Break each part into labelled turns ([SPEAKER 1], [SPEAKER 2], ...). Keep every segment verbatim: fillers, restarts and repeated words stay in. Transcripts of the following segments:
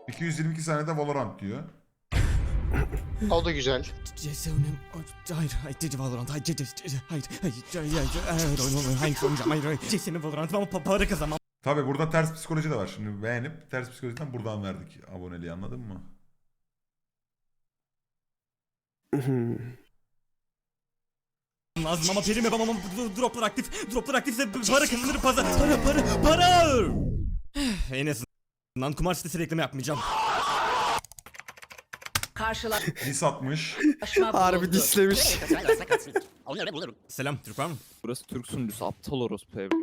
[SPEAKER 1] iki yüz yirmi iki saniyede Valorant diyor.
[SPEAKER 2] O da güzel.
[SPEAKER 3] Cese'nin... Hayır, hayır, Valorant, hayır, hayır, hayır, hayır, hayır, hayır, hayır, hayır, hayır, hayır, Cese'nin Valorant ama pa- para kazanmam.
[SPEAKER 1] Tabi burada ters psikoloji de var. Şimdi beğenip ters psikolojiden buradan verdik aboneliği, anladın mı?
[SPEAKER 3] Lazım ama perim yapamam ama droplar aktif, droplar aktifse para kazanırım, para, para, para, para! En azından kumar sitesi reklamı yapmayacağım.
[SPEAKER 4] Karşılaşma
[SPEAKER 1] Dis atmış.
[SPEAKER 5] Harbi
[SPEAKER 4] bulundu.
[SPEAKER 5] dislemiş.
[SPEAKER 3] Selam, Türk var mı?
[SPEAKER 5] Burası Türk sunucusu aptal orospu ev.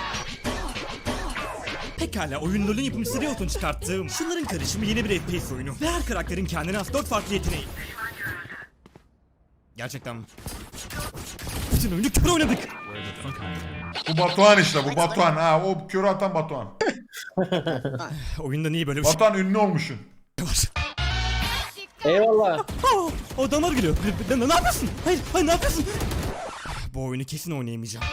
[SPEAKER 3] Pekala, oyun LoL'ün yapımcısı Riot'un çıkarttığım şunların karışımı yeni bir F P S oyunu. Ve her karakterin kendine has dört farklı yeteneği. Gerçekten. Bütün oyunu kör oynadık.
[SPEAKER 1] Bu Batuhan işte, bu Batuhan. Ha, o körü atan Batuhan.
[SPEAKER 3] Oyunda niye böyle bir şey
[SPEAKER 1] Batuhan ünlü olmuşsun.
[SPEAKER 3] var?
[SPEAKER 6] Eyvallah.
[SPEAKER 3] Aa, o damar geliyor. Ne, ne, ne yapıyorsun? Hayır, hayır ne yapıyorsun? Bu oyunu kesin oynayamayacağım.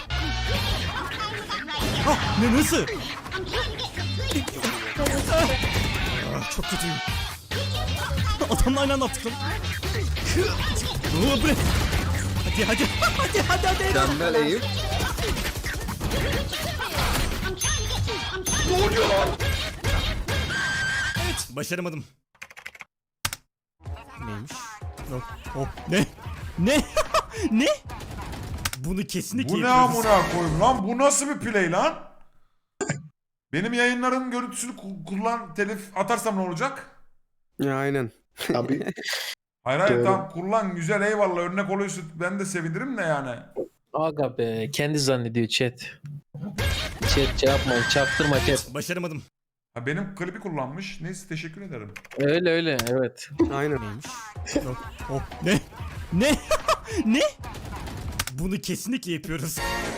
[SPEAKER 3] Ah, ne nasıl? Ah, çok kötüyüm. Adamla aynı anda attık lan. Oo, bre. Hadi hadi hadi hadi hadi.
[SPEAKER 5] Mükemmel Eyüp.
[SPEAKER 3] Evet, başaramadım. Neymiş? Oh, oh. Ne? Ne? Ne? Bunu kesinlikle
[SPEAKER 1] Bu ne
[SPEAKER 3] yapıyoruz.
[SPEAKER 1] amına koyayım lan? Bu nasıl bir play lan? Benim yayınların görüntüsünü ku- kullan, telif atarsam ne olacak?
[SPEAKER 5] Ya aynen.
[SPEAKER 2] Abi
[SPEAKER 1] Hayır hayır
[SPEAKER 2] Doğru.
[SPEAKER 1] tamam kullan, güzel, eyvallah, örnek oluyorsun, ben de sevinirim de yani.
[SPEAKER 6] Aga be kendi zannediyor chat. Chat şey yapma çaktırma chat.
[SPEAKER 3] Başaramadım.
[SPEAKER 1] Ha, benim klibi kullanmış. Neyse, teşekkür ederim.
[SPEAKER 6] Öyle öyle evet.
[SPEAKER 5] Aynen.
[SPEAKER 3] Neymiş? Oh, oh. Ne? Ne? Ne? Bunu kesinlikle yapıyoruz.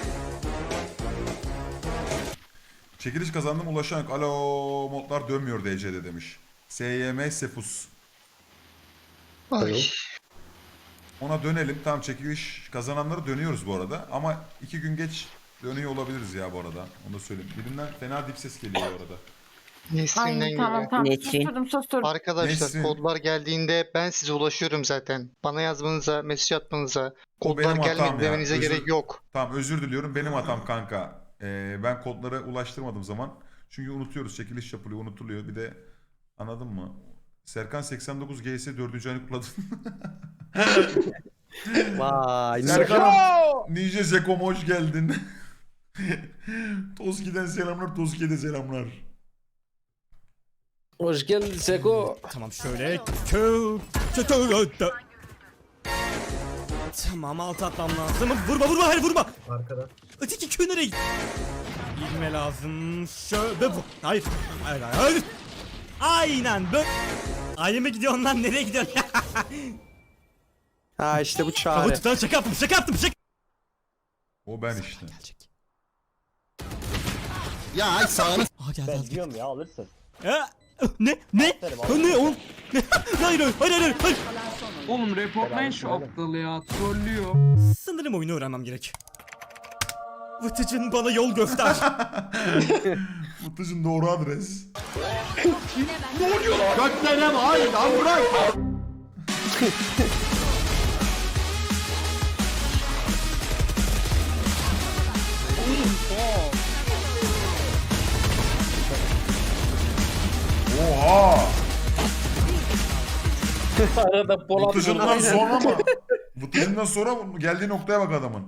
[SPEAKER 1] Çekiliş kazandım, ulaşan yok. Alo, modlar dönmüyor D C'de demiş. S Y M Sefus.
[SPEAKER 2] ay.
[SPEAKER 1] Ona dönelim. Tamam, çekiliş kazananları dönüyoruz bu arada. Ama iki gün geç dönüyor olabiliriz ya bu arada. Onu da söyleyeyim. Birinden fena dip ses geliyor bu arada.
[SPEAKER 2] Nesrin'den
[SPEAKER 7] Ay tamam
[SPEAKER 2] geliyor.
[SPEAKER 7] tamam
[SPEAKER 5] Nesrin.
[SPEAKER 7] susturdum susturdum.
[SPEAKER 2] Arkadaşlar
[SPEAKER 1] Nesrin.
[SPEAKER 2] kodlar geldiğinde ben size ulaşıyorum zaten. Bana yazmanıza, mesaj atmanıza, kodlar
[SPEAKER 1] benim hatam
[SPEAKER 2] gelmedi
[SPEAKER 1] ya.
[SPEAKER 2] demenize
[SPEAKER 1] Özür-
[SPEAKER 2] gerek yok.
[SPEAKER 1] Tamam, özür diliyorum. Benim hatam kanka. Ee, ben kodları ulaştırmadım zaman. Çünkü unutuyoruz. Çekiliş yapılıyor, unutuluyor. Bir de anladın mı? Serkan seksen dokuz G S dördüncü ayını kutladı.
[SPEAKER 5] Vay.
[SPEAKER 1] Serkan'ım, Ninja Zekom hoş geldin. Toski'den selamlar, Toski'ye de selamlar.
[SPEAKER 6] Hoş geldin Seko.
[SPEAKER 3] Tamam şöyle. Kö... Kö... Kö... Kö... Tamam alt atmam lazım. Vurma vurma hayır vurma.
[SPEAKER 6] Arkada.
[SPEAKER 3] Öteki kö nereye gitti? Girme lazım. Şöyle bu. Hayır. Hayır hayır. hayır. Aynen böyle. Ayeme gidiyorsun lan, nereye gidiyorsun?
[SPEAKER 5] Ha işte bu
[SPEAKER 3] Hava
[SPEAKER 5] çare.
[SPEAKER 3] tutan şaka yaptım şaka yaptım şaka.
[SPEAKER 1] O ben işte.
[SPEAKER 3] Gelecek.
[SPEAKER 8] Ya ay sağını
[SPEAKER 3] Aa geldi
[SPEAKER 8] ben
[SPEAKER 3] geldi.
[SPEAKER 8] diyorum ya alırsın.
[SPEAKER 3] Ha, ne ne?
[SPEAKER 8] Aferin,
[SPEAKER 3] Ha, ne oğlum? Ne? Hayır hayır hayır hayır. hayır.
[SPEAKER 9] Oğlum reportlayın şu
[SPEAKER 8] Beraber
[SPEAKER 9] aptalı ya. Trollüyor.
[SPEAKER 3] Sanırım oyunu öğrenmem gerek. Vıtıcın bana yol göster.
[SPEAKER 1] Mutlucun doğru adres.
[SPEAKER 8] Göklerem ay lan bırak.
[SPEAKER 1] Oha!
[SPEAKER 6] Arada Polat
[SPEAKER 1] Mutlucundan sonra mı? Mutlucundan sonra mı? Geldiği noktaya bak adamın.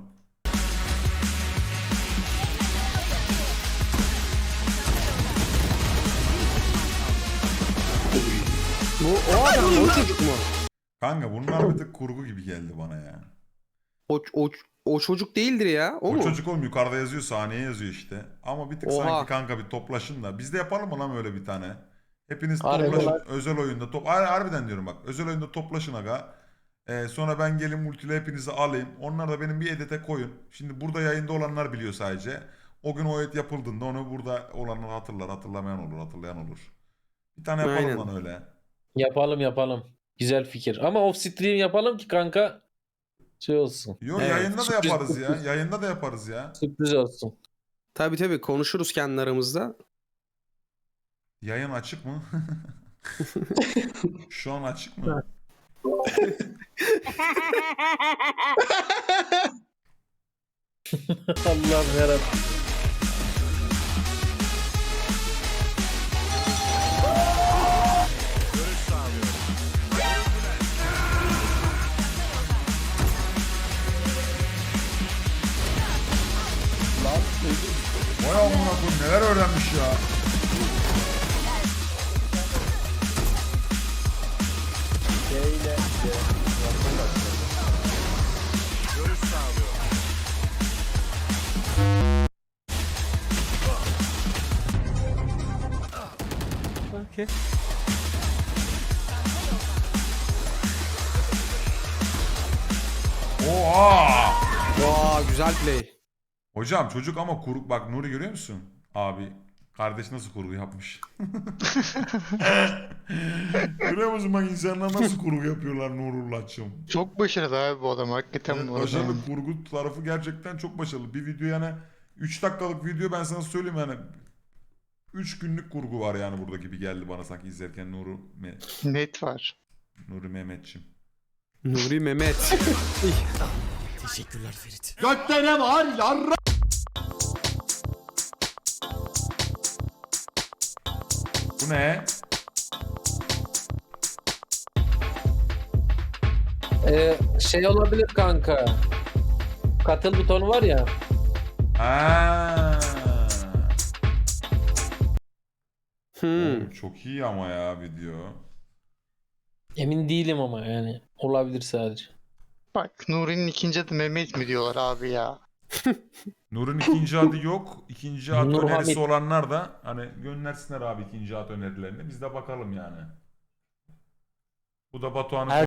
[SPEAKER 5] Bu o adam mı? O çocuk mu?
[SPEAKER 1] Kanka bunlar bir tık kurgu gibi geldi bana ya.
[SPEAKER 5] O, o, o çocuk değildir ya. O,
[SPEAKER 1] O
[SPEAKER 5] mu?
[SPEAKER 1] çocuk oğlum, yukarıda yazıyor, sahneye yazıyor işte. Ama bir tık
[SPEAKER 5] Oha.
[SPEAKER 1] sanki kanka bir toplaşın da. Biz de yapalım mı lan öyle bir tane? Hepiniz
[SPEAKER 6] Harbi
[SPEAKER 1] toplaşın.
[SPEAKER 6] lan.
[SPEAKER 1] Özel oyunda top. Har- Harbiden diyorum bak. Özel oyunda toplaşın aga. Ee, sonra ben gelin multiyle hepinizi alayım. Onlar da benim bir edite koyun. Şimdi burada yayında olanlar biliyor sadece. O gün o edit yapıldığında onu burada olanlar hatırlar. Hatırlamayan olur, hatırlayan olur. Bir tane yapalım
[SPEAKER 5] Aynen.
[SPEAKER 1] lan öyle.
[SPEAKER 6] Yapalım yapalım. Güzel fikir. Ama off stream yapalım ki kanka şey olsun.
[SPEAKER 1] Yok,
[SPEAKER 5] Evet,
[SPEAKER 1] yayında da
[SPEAKER 6] sürpriz-
[SPEAKER 1] yaparız ya. Yayında da yaparız ya.
[SPEAKER 6] Sürpriz olsun.
[SPEAKER 5] Tabii tabii konuşuruz kendi aramızda.
[SPEAKER 1] Yayın açık mı? Şu an açık mı?
[SPEAKER 6] Allah'ım yarabbim.
[SPEAKER 1] Vay amına koyayım neler öğrenmiş ya.
[SPEAKER 3] Okey.
[SPEAKER 1] Oha!
[SPEAKER 5] Vaa güzel play.
[SPEAKER 1] Hocam çocuk ama kurgu bak Nuri görüyor musun? Abi kardeş nasıl kurgu yapmış? Görüyor musun bak insanlar nasıl kurgu yapıyorlar Nurullah'cığım?
[SPEAKER 2] Çok başarılı abi bu adam hakikaten
[SPEAKER 1] Evet,
[SPEAKER 2] bu arada.
[SPEAKER 1] başarılı kurgu tarafı gerçekten çok başarılı. Bir video yani üç dakikalık video ben sana söyleyeyim yani üç günlük kurgu var yani burada gibi geldi bana sanki izlerken Nuru Me
[SPEAKER 2] Net var.
[SPEAKER 1] Nuri Mehmetçim.
[SPEAKER 5] Nuri Mehmet.
[SPEAKER 3] Teşekkürler Ferit.
[SPEAKER 8] Gökte ne var yarra?
[SPEAKER 1] Bu ne?
[SPEAKER 6] Ee, şey olabilir kanka. Katıl butonu var ya.
[SPEAKER 1] Ha.
[SPEAKER 5] Hmm.
[SPEAKER 1] Oğlum çok iyi ama ya video.
[SPEAKER 6] Emin değilim ama yani. Olabilir sadece.
[SPEAKER 2] Bak Nuri'nin ikinci adı Mehmet mi diyorlar abi ya.
[SPEAKER 1] Nur'un ikinci adı yok. İkinci ad
[SPEAKER 6] Nur
[SPEAKER 1] önerisi
[SPEAKER 6] Hamit.
[SPEAKER 1] olanlar da hani göndersinler abi ikinci ad önerilerini. Biz de bakalım yani. Bu da Batuhan'ın